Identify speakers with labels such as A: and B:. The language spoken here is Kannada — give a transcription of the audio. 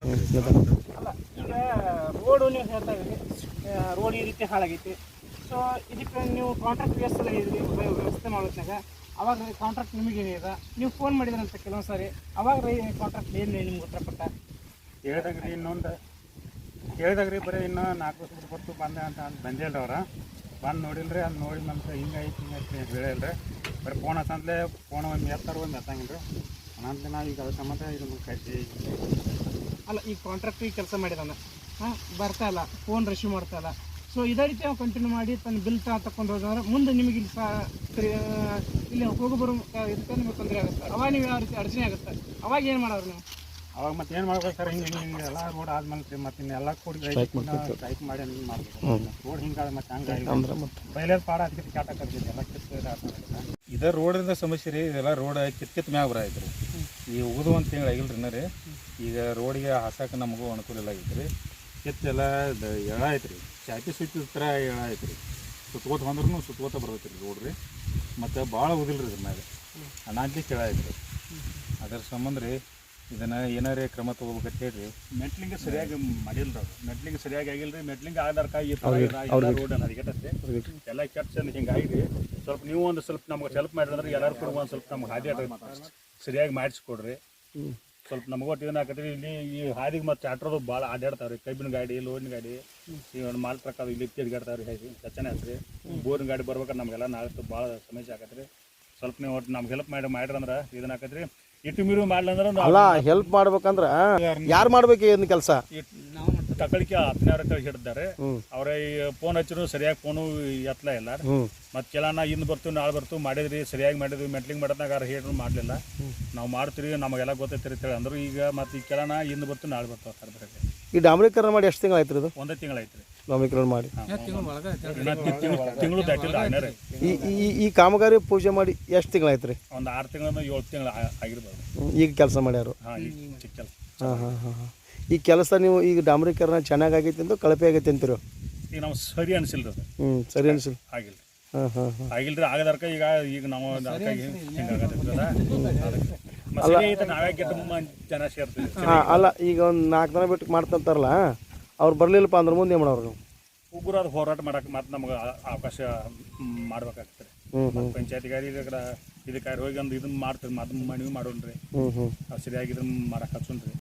A: ಅಲ್ಲ ಈಗ ರೋಡು ನೀವು ಹೇಳ್ತಾ ಇದ್ದೀರಿ, ರೋಡ್ ಈ ರೀತಿ ಹಾಳಾಗೈತಿ. ಸೊ ಇದಕ್ಕೆ ನೀವು ಕಾಂಟ್ರಾಕ್ಟ್ ವ್ಯವಸ್ಥೆ ಮಾಡೋದ್ನಾಗ ಅವಾಗ ಕಾಂಟ್ರಾಕ್ಟ್ ನಿಮಗೇನಿದೆ, ನೀವು ಫೋನ್ ಮಾಡಿದ್ರಂತ ಕೆಲವೊಂದು ಸಾರಿ, ಅವಾಗ ಕಾಂಟ್ರಾಕ್ಟ್ ಏನು ನಿಮ್ಗೆ ಉತ್ತರಪಟ್ಟ
B: ಹೇಳಿದಾಗ್ರಿ ಇನ್ನೊಂದು ಹೇಳಿದಾಗ್ರಿ ಬರೀ ಇನ್ನೂ 4 ವರ್ಷ ಬರ್ತು ಬಂದೆ ಅಂತ ಬಂದಿಲ್ಲ ಅವ್ರ ಬಂದು ನೋಡಿಲ್ರಿ. ಅದು ನೋಡಿ ನಮ್ಗೆ ಹಿಂಗೈತಿ ಹೇಳಿಲ್ರಿ. ಬರೀ ಫೋನ್ ಹತ್ತಂತಲೇ ಫೋನ್ ಒಂದು ಎತ್ತಾರ ಒಂದು ಎತ್ತಂಗಿಲ್ಲ ರೀ ಅನ್ನಂತ ನಾವು ಈಗ ಅದ್ರ ಸಂಬಂಧ ಇದು ಕಟ್ಟಿ.
A: ಅಲ್ಲ ಈಗ ಕಾಂಟ್ರಾಕ್ಟ್ ಕೆಲಸ ಮಾಡಿದಾನೆ, ಬರ್ತಾ ಇಲ್ಲ, ಫೋನ್ ರಿಸೀವ್ ಮಾಡ್ತಾ ಇಲ್ಲ. ಸೊ ಇದೇ ರೀತಿ ನಾವು ಕಂಟಿನ್ಯೂ ಮಾಡಿ ತನ್ನ ಬಿಲ್ ತಗೊಂಡು ಹೋದ್ರೆ ಮುಂದೆ ನಿಮಗೆ ಇಲ್ಲಿ ಹೋಗಿ ಬರೋ ಇದಕ್ಕೆ ನಿಮಗೆ ತೊಂದರೆ ಆಗುತ್ತೆ. ಅವಾಗ ನೀವು ಯಾವ ರೀತಿ ಅಡಚಣೆ ಆಗುತ್ತೆ, ಅವಾಗ ಏನು ಮಾಡೋರು ನೀವು?
B: ಅವಾಗ ಮತ್ತೆ ಏನು ಮಾಡ್ಬೇಕು ಸರ್, ಹಿಂಗೆ ಎಲ್ಲ ರೋಡ್ ಆದ್ಮೇಲೆ ರೀ ಮತ್ತೆ ಇನ್ನೆಲ್ಲ ಕೂಡಿ ಸ್ಟ್ರೈಕ್ ಮಾಡಿ ಹಿಂಗೆ ಮಾಡ್ಬೇಕು. ರೋಡ್ ಹಿಂಗಾದ ಮತ್ತೆ ಹಂಗೆ ಬಯಲೇದ ಪಾಡ ಅದಕ್ಕೆ ಕ್ಯಾಟ್ ಹಾಕಿದ್ವಿ ಎಲ್ಲ ಕಿತ್ತು.
C: ಇದೇ ರೋಡಿಂದ ಸಮಸ್ಯೆ ರೀ. ಇದೆಲ್ಲ ರೋಡ್ ಕಿತ್ ಮ್ಯಾಗ ಬರೈತೆ ರೀ. ಈ ಉಗಿದು ಒಂದು ತಿಂಗಳು ಆಗಿಲ್ಲ ರೀ ರೀ. ಈಗ ರೋಡಿಗೆ ಹಾಸಕ್ಕೆ ನಮಗೂ ಅನುಕೂಲ ಇಲ್ಲ ಆಗೈತೆ ರೀ. ಕಿತ್ತೆಲ್ಲ ಎಳ ಐತೆ ರೀ, ಚಾಪಿ ಸುತ್ತಿದ ಥರ ಎಳ ಐತೆ ರೀ. ಸುತ್ಕೋತ ಬಂದ್ರೂ ಸುತ್ಕೋತ ಬರ್ತೈತೆ ರೀ ರೋಡ್ ರೀ. ಮತ್ತು ಭಾಳ ಉದಿಲ್ಲ ರೀ ಇದ್ರ ಮ್ಯಾಗ ಅನಾದ್ಲಿ ಕೆಳ ಐತೆ ರೀ. ಅದರ ಸಂಬಂಧ ರೀ ಇದನ್ನು ಏನಾರೇ ಕ್ರಮ ತೊಗೋಬೇಕಂತ ಹೇಳ್ರಿ.
B: ಮೆಟ್ಲಿಂಗ್ ಸರಿಯಾಗಿ ಮಾಡಿಲ್ಲ ರೀ, ಮೆಟ್ಲಿಂಗ್ ಸರಿಯಾಗಿ ಆಗಿಲ್ಲ ರೀ. ಮೆಟ್ಲಿಂಗ್ ಆಧಾರಕ ಈ ಥರ ರೋಡ್ ಅದಕ್ಕೆ ಎಲ್ಲ ಕೆಟ್ಟ ಹಿಂಗಾಗಿ ಸ್ವಲ್ಪ ನೀವು ಒಂದು ಸ್ವಲ್ಪ ನಮ್ಗೆ ಹೆಲ್ಪ್ ಮಾಡಿದ್ರೆ ಎಲ್ಲರೂ ಕೂಡ ಒಂದು ಸ್ವಲ್ಪ ನಮ್ಗೆ ಹಾದಿ ಸರಿಯಾಗಿ ಮಾಡಿಸ್ಕೊಡ್ರಿ. ಸ್ವಲ್ಪ ನಮಗೂ ಒಟ್ಟು ಇದನ್ನ ಹಾಕತ್ರಿ. ಇಲ್ಲಿ ಈ ಹಾದಿಗೆ ಮತ್ತು ಆಟೋದು ಭಾಳ ಅಡ್ಡಾಡ್ತಾವೆ ರೀ. ಕಬ್ಬಿನ ಗಾಡಿ, ಲೋಡಿನ ಗಾಡಿ, ಈ ಒಂದು ಮಾಲ್ ಟ್ರಕ್ ಅದು ಇಲ್ಲಿ ತಿರ್ಗಾಡ್ತಾವೆ ರೀ. ಹೇಗೆ ಚಚ್ಚನೆ ಆಯ್ತು ಬೋರಿನ ಗಾಡಿ ಬರ್ಬೇಕಾದ್ರೆ ನಮಗೆಲ್ಲ ನಾಳೆ ಭಾಳ ಸಮಸ್ಯೆ ಆಕತ್ರಿ. ಸ್ವಲ್ಪ ನೀವು ಒಟ್ಟು ನಮ್ಗೆ ಹೆಲ್ಪ್ ಮಾಡಿರಂದ್ರೆ ಇದನ್ನ ಹಾಕತ್ರಿ. ಇಟ್ಟು ಮೀರು ಮಾಡ್ಲಂದ್ರೆ
D: ಅಲ್ಲ ಹೆಲ್ಪ್ ಮಾಡ್ಬೇಕಂದ್ರೆ ಯಾರು ಮಾಡ್ಬೇಕು ಇದನ್ನ ಕೆಲಸ?
B: ತಗೊಳಿಕೆ 10 ಹಿಡಿದಾರೆ. ಅವ್ರ ಈ ಫೋನ್ ಹಚ್ಚಿದ್ರು ಸರಿಯಾಗಿ ಫೋನು ಎತ್ತಲ ಇಲ್ಲ. ಮತ್ತೆ ಕೆಲನ ಇಂದು ಬರ್ತೀವಿ ನಾಳೆ ಬರ್ತೀವಿ ಮಾಡಿದ್ರಿ, ಸರಿಯಾಗಿ ಮಾಡಿದ್ವಿ. ಮೆಟ್ಲಿಂಗ್ ಮಾಡೋದಾಗ ಹೇಳಿದ್ರು ಮಾಡಲಿಲ್ಲ. ನಾವು ಮಾಡ್ತೀವಿ, ನಮಗೆಲ್ಲ ಗೊತ್ತೈತಿರ್ತೇಳಿ ಅಂದರು. ಈಗ ಮತ್ತೆ ಈ ಕೆಲನ ಇಂದು ಬರ್ತೀವಿ ನಾಳೆ ಬರ್ತಾವೆ ಸರ್ ಬರೋಕ್ಕೆ.
D: ಈ ಡಾಂಬರೀಕರಣ ಮಾಡಿ ಎಷ್ಟು ತಿಂಗಳು ಆಯ್ತು? ಇದು
B: 1 ತಿಂಗಳು ಆಯ್ತು ರೀ
D: ಡಾಂಬರೀಕರಣ ಮಾಡಿ.
B: ತಿಂಗಳು ದಾಟಿಲ್ಲ ರೀ.
D: ಈ ಕಾಮಗಾರಿ ಪೂಜೆ ಮಾಡಿ ಎಷ್ಟು ತಿಂಗಳು ಆಯ್ತು ರೀ?
B: ಒಂದು 6 ತಿಂಗಳು 7 ತಿಂಗಳು ಆಗಿರ್ಬೋದು.
D: ಈಗ ಕೆಲಸ ಮಾಡ್ಯಾರು?
B: ಹಾಂ, ಈಗ ಚಿಕ್ಕ ಕೆಲಸ.
D: ಹಾಂ. ಈ ಕೆಲಸ ನೀವು ಈಗ ಡಾಂಬರೀಕರಣ ಚೆನ್ನಾಗಿ ಆಗೈತಿ ಅಂತ ಕಳಪೆ ಆಗೈತಿ ಅಂತೀರೋ?
B: ಈಗ ನಾವು ಸರಿ ಅನಿಸಿಲ್ಲ ರೀ.
D: ಸರಿ ಅನಿಸಿಲ್ಲ.
B: ಆಗಿಲ್ಲ.
D: ಹಾಂ.
B: ಆಗಿಲ್ಲ ರೀ. ಆಗದರ್ಕ ಈಗ ನಾವು ನಾವೇ ಜನ ಸೇರ್ತೀವಿ.
D: ಅಲ್ಲ ಈಗ ಒಂದು 4 ದಿನ ಬಿಟ್ಟು ಮಾಡ್ತಂತಾರಲ್ಲ, ಅವ್ರು ಬರಲಿಲ್ಲಪ್ಪ ಅಂದ್ರೆ ಮುಂದೆ ಏನು ಮಾಡೋರು ನೀವು?
B: ಉಗ್ರಾದ ಹೋರಾಟ ಮಾಡಕ್ಕೆ ಮತ್ತೆ ನಮ್ಗೆ ಅವಕಾಶ ಮಾಡ್ಬೇಕಾಗ್ತದೆ. ಪಂಚಾಯತಿಗಾರಿ ಇದಕ್ಕೆ ಹೋಗಿ ಒಂದು ಇದನ್ನ ಮಾಡ್ತೀರಿ, ಮತ್ತೆ ಮನವಿ ಮಾಡೋಣ್ರಿ. ಸರಿಯಾಗಿ ಇದನ್ನ ಮಾಡಕ್ಕೆ ಹಚ್ಚೋಣ್ರಿ.